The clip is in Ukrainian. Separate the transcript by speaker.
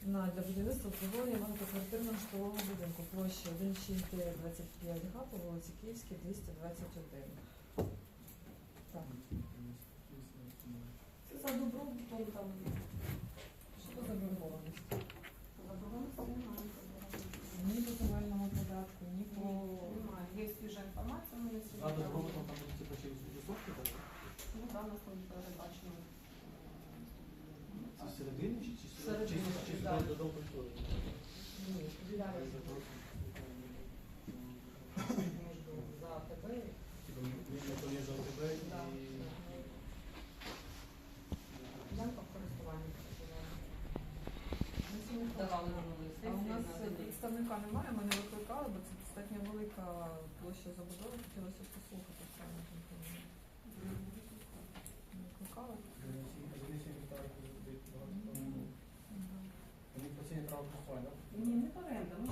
Speaker 1: для будівництва обслуговування багатоквартирного житлового будинку площа 16925 га по вулиці Київській, 221. Так.
Speaker 2: Це за добробутом там.
Speaker 1: Що це за заборгованість?
Speaker 2: Заборгованості немає.
Speaker 1: Ні по земельному податку, ні по...
Speaker 2: Немає. Є свіжа інформація, ми не
Speaker 3: А
Speaker 2: сьогодні.
Speaker 3: добробутом там буде типу через висотки, так?
Speaker 2: Ну, да, у нас там передбачено.
Speaker 3: Це всередині чи
Speaker 2: Всередині, да.
Speaker 3: додому культури?
Speaker 1: Ні, поділяє між за АТБ.
Speaker 3: Типу, між ОТБ
Speaker 1: Да.
Speaker 3: і...
Speaker 2: Ділянка в користуванні.
Speaker 1: Давали
Speaker 2: минулої
Speaker 1: А у нас
Speaker 2: сесії.
Speaker 1: представника немає, ми не викликали, бо це достатньо велика площа забудови, хотілося б послухати саме компанію. Не викликали?
Speaker 3: Вони постійно право користування, так?
Speaker 2: Ні, не оренда. Ми